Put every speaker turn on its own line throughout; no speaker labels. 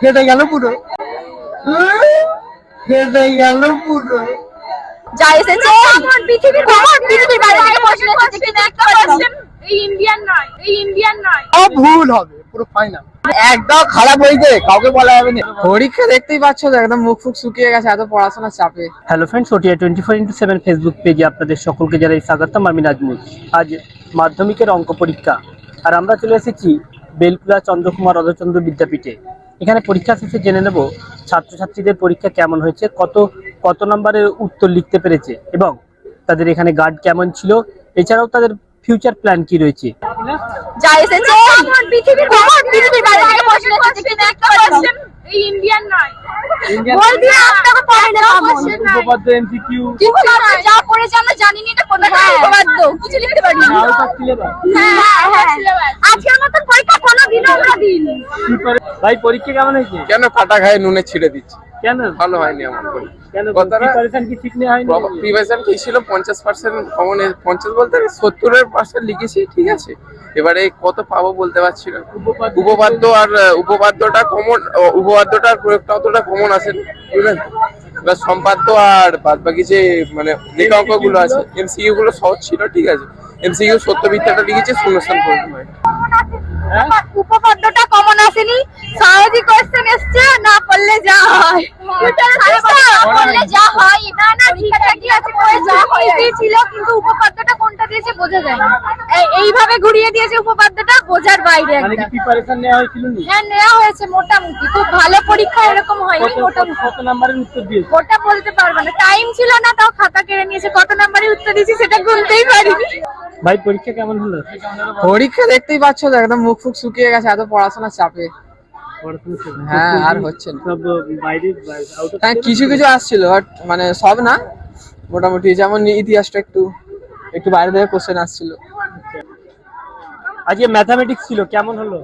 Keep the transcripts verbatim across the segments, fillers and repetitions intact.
কেটে গেল পুরো কেটে গেল পুরো
যা এসেছে পৃথিবীর পৃথিবীর বাইরে থেকে প্রশ্ন এসেছে কিন্তু একটা কোশ্চেন এই ইন্ডিয়ান নয় এই ইন্ডিয়ান নয়
সব ভুল হবে পুরো ফাইনাল একদম খারাপ হয়েছে কাউকে বলা যাবে না।
পরীক্ষা দেখতেই পাচ্ছ তো একদম মুখ ফুক শুকিয়ে গেছে এত পড়াশোনার চাপে।
Hello friends, OTI twenty four into seven Facebook পেজে আপনাদের সকলকে জানাই স্বাগতম। আমি নাজমুল। আজ মাধ্যমিকের অঙ্ক পরীক্ষা, আর আমরা চলে এসেছি বেলকুলা চন্দ্রকুমার অধচন্দ্র বিদ্যাপীঠে। এখানে পরীক্ষা শেষে জেনে নেব ছাত্রছাত্রীদের পরীক্ষা কেমন হয়েছে, কত কত নম্বরের উত্তর লিখতে পেরেছে এবং তাদের এখানে গার্ড কেমন ছিল, এছাড়াও তাদের ফিউচার প্ল্যান কি রয়েছে।
যা এসেছে পৃথিবীর পৃথিবীর বাইরে থেকে প্রশ্ন এসেছে কিন্তু একটা কোশ্চেন এই ইন্ডিয়ান নয়। বল দিয়ে আপনাকে পড়ে না কোশ্চেন নাই।
উপপাদ্য এমসিকিউ
কিন্তু আমরা যা পড়েছি আমরা জানি না এটা কোনটা উপপাদ্য কিছু লিখতে পারি না।
Out of syllabus.
হ্যাঁ হ্যাঁ আজকের মতন পরীক্ষা কোনো দিনও আমরা দিইনি।
ভাই পরীক্ষা কেমন হয়েছে?
কেন কাটা খায় নুনে ছিঁড়ে দিচ্ছে?
কেন
ভালো হয়নি আমার পরীক্ষা।
কেন
কথাটা
প্রিপারেশন কি ঠিক নেই হয়নি?
প্রিপারেশন কি ছিল, পঞ্চাশ পার্সেন্ট কমন, পঞ্চাশ বলতে সত্তরের পার্সেন্ট লিখেছি, ঠিক আছে। এবারে কত পাবো বলতে পারছি না। উপপাদ্য আর উপপাদ্যটা কমন, উপপাদ্যটার প্রয়োগটা অতটা কমন আসেন, বুঝলেন। এবার সম্পাদ্য আর বাদ বাকি যে মানে যে অঙ্কগুলো আছে এমসিকিউ গুলো সহজ ছিল, ঠিক আছে। এমসিকিউ সত্য মিথ্যাটা লিখেছি, শূন্যস্থান পূরণ হয়।
উপপাদ্যটা কমন আসেনি, স্বাভাবিক কোশ্চেন এসছে, না পড়লে যা হয় পড়লে যা হয়। না না ঠিকঠাক কি আছে, পড়ে যা হয়েছিল, কিন্তু উপপাদ্যটা কোনটা দিয়েছে বোঝা যায় না। এইভাবে ঘুরিয়ে দিয়েছে উপপাদ্যটা, বোঝার বাইরে
মানে কি
একটা।
প্রিপারেশন নেওয়া হয়েছিল না?
হ্যাঁ নেওয়া হয়েছে মোটামুটি, খুব ভালো পরীক্ষা এরকম হয়নি, মোটামুটি।
কত নাম্বারের উত্তর দিয়েছে?
ওটা বলতে পারবো না, টাইম ছিল না, তাও খাতা কেড়ে নিয়েছে। কত নাম্বারে উত্তর দিয়েছি সেটা গুনতেই পারিনি।
ভাই পরীক্ষা কেমন হলো?
পরীক্ষা দেখতেই পাচ্ছ তো একদম মুখ ফুক শুকিয়ে গেছে এত পড়াশোনার চাপে। হ্যাঁ আর হচ্ছে না।
সব বাইরে আউট অফ
হ্যাঁ কিছু কিছু আসছিল বাট মানে সব না, মোটামুটি। যেমন ইতিহাসটা একটু একটু বাইরে থেকে কোশ্চেন আসছিল।
আজকে ম্যাথমেটিক্স ছিল, কেমন হলো?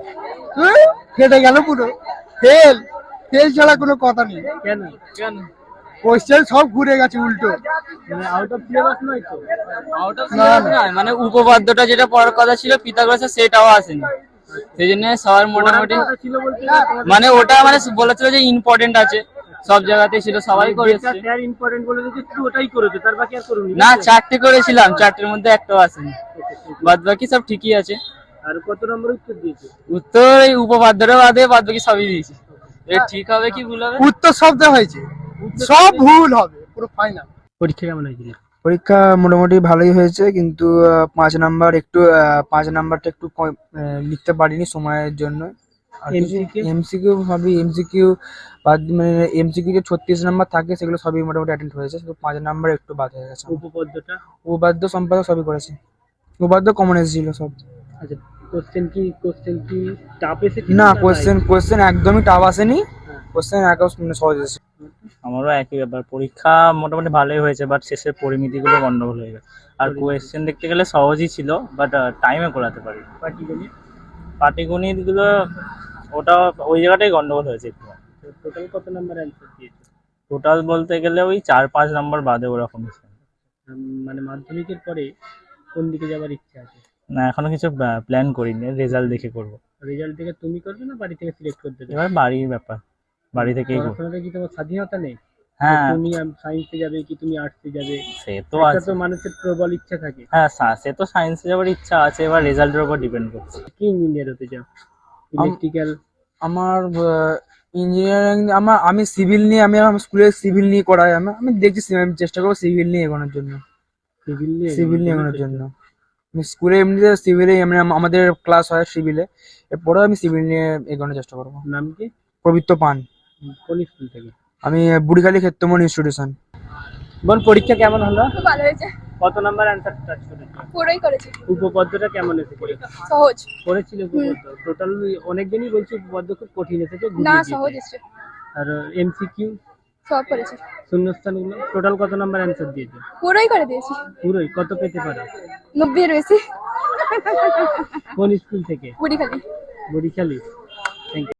কেটে গেল পুরো ফেল ফেল ছাড়া কোনো কথা নেই।
কেন কেন
কোশ্চেন সব ঘুরে গেছে উল্টো।
মানে আউট অফ সিলেবাস নয় তো?
আউট অফ সিলেবাস নয়, মানে উপপাদ্যটা যেটা পড়ার কথা ছিল পিথাগোরাসের সেটাও আসেনি, সেই জন্য সবার মোটামুটি
ছিল বলতে
মানে ওটা মানে বলেছিল যে ইম্পর্টেন্ট আছে, সব জায়গাতেই ছিল, সবাই করেছে।
স্যার ইম্পর্টেন্ট বলে যে শুধু ওটাই করেছে, তার বাকি আর করুনি?
না, চারটে করেছিলাম, চারটের মধ্যে একটাও আসেনি, বাদ বাকি সব ঠিকই আছে।
আর কত নম্বর উত্তর দিয়েছে?
উত্তর এই উপপাদ্যটা বাদে বাদ বাকি সবই দিয়েছে। এটা ঠিক হবে কি ভুল হবে?
উত্তর সব দেওয়া হয়েছে, সব ভুল হবে পুরো ফাইনাল।
পরীক্ষা কেমন হয়েছিল?
পরীক্ষা মোটামুটি ভালোই হয়েছে, কিন্তু আহ, পাঁচ নাম্বার একটু আহ, পাঁচ নাম্বারটা একটু কম- আহ, লিখতে পারিনি সময়ের জন্য।
M C Q?
এমসিকিউ সবই এমসিকিউ বাদ, মানে এমসিকিউ যে ছত্রিশ নাম্বার থাকে সেগুলো সবই মোটামুটি অ্যাটেন্ড হয়েছে, শুধু পাঁচ নাম্বার একটু বাদ হয়ে গেছে।
উপপাদ্যটা?
উপাদ্য সম্পাদক সবই করেছে, উপাদ্য কমন এসেছিল সব।
আচ্ছা, কোশ্চেন কি কোশ্চেন কি টাফ এসেছে?
না, কোশ্চেন কোশ্চেন একদমই টাফ আসেনি, কোশ্চেন একদম মানে সহজ এসেছে।
আমারও একই ব্যাপার, পরীক্ষা মোটামুটি ভালোই হয়েছে, বাট শেষের পরিমিতিগুলো গন্ডগোল হয়ে গেছে। আর কোয়েশ্চেন দেখতে গেলে সহজই ছিল, বাট টাইমে করাতে পারি।
পাটিগণিত?
পাটিগণিতগুলো ওটা ওই জায়গাটাই গন্ডগোল হয়েছে একটু।
টোটাল কত নাম্বার অ্যান্সার দিয়েছে?
টোটাল বলতে গেলে ওই চার পাঁচ নাম্বার বাদে ওরকম।
উম, মানে মাধ্যমিকের পরে কোন দিকে যাবার ইচ্ছা আছে?
না, এখনো কিছু প্ল্যান করিনি, রেজাল্ট দেখে করব।
রেজাল্ট থেকে তুমি করবে না বাড়ি থেকে সিলেক্ট করতে দেবে?
এবার বাড়ির ব্যাপার, বাড়ি থেকেই করবো।
পড়াশোনাতে কি তোমার স্বাধীনতা নেই?
হ্যাঁ
তুমি সায়েন্সে যাবে কি তুমি আর্টসে যাবে,
সে তো
এটা
আছে।
তো মানুষের প্রবল ইচ্ছা থাকে।
হ্যাঁ সা- সে তো সায়েন্সে যাওয়ার ইচ্ছা আছে, এবার রেজাল্টের উপর ডিপেন্ড করছে।
কি ইঞ্জিনিয়ার হতে চাও? ইলেকট্রিক্যাল?
আমার ইঞ্জিনিয়ারিং, আমার আমি সিভিল নিয়ে, আমি আমার স্কুলে সিভিল নিয়ে করাই, আমি আমি দেখছি সি- আমি চেষ্টা করবো সিভিল নিয়ে এগোনোর জন্য।
সিভিল নিয়ে?
সিভিল নিয়ে এগোনোর জন্য আমি স্কুলে এমনিতে সিভিলে মানে আম- আমাদের ক্লাস হয় সিভিলে, এরপরেও আমি সিভিল নিয়ে এগোনোর চেষ্টা করবো।
নাম কি?
পবিত্র পান।
কোন স্কুল থেকে?
আমি বুড়িখালি ক্ষেত্রমোহন ইনস্টিটিউশন।
বল পরীক্ষা কেমন হলো?
খুব ভালো হয়েছে,
কত নাম্বার অ্যান্সার টাচ করেছো?
পুরোই করেছি।
উপপাদ্যটা কেমন এসেছে?
সহজ
করেছিল উপপাদ্য? টোটাল অনেকজনই বলছে উপপাদ্য খুব কঠিন এসেছে,
না,
ঘুরিয়ে
সহজ
দিয়েছে।
এসছে,
আর এমসিকিউ
সব করেছি,
শূন্যস্থানগুলো টোটাল কত নাম্বার অ্যান্সার দিয়েছো?
পুরোই করে দিয়েছি।
পুরোই? কত পেতে পারো?
নব্বই রয়েছে।
কোন স্কুল থেকে?
বুড়ি খালি।
বরিশালী? Thank you.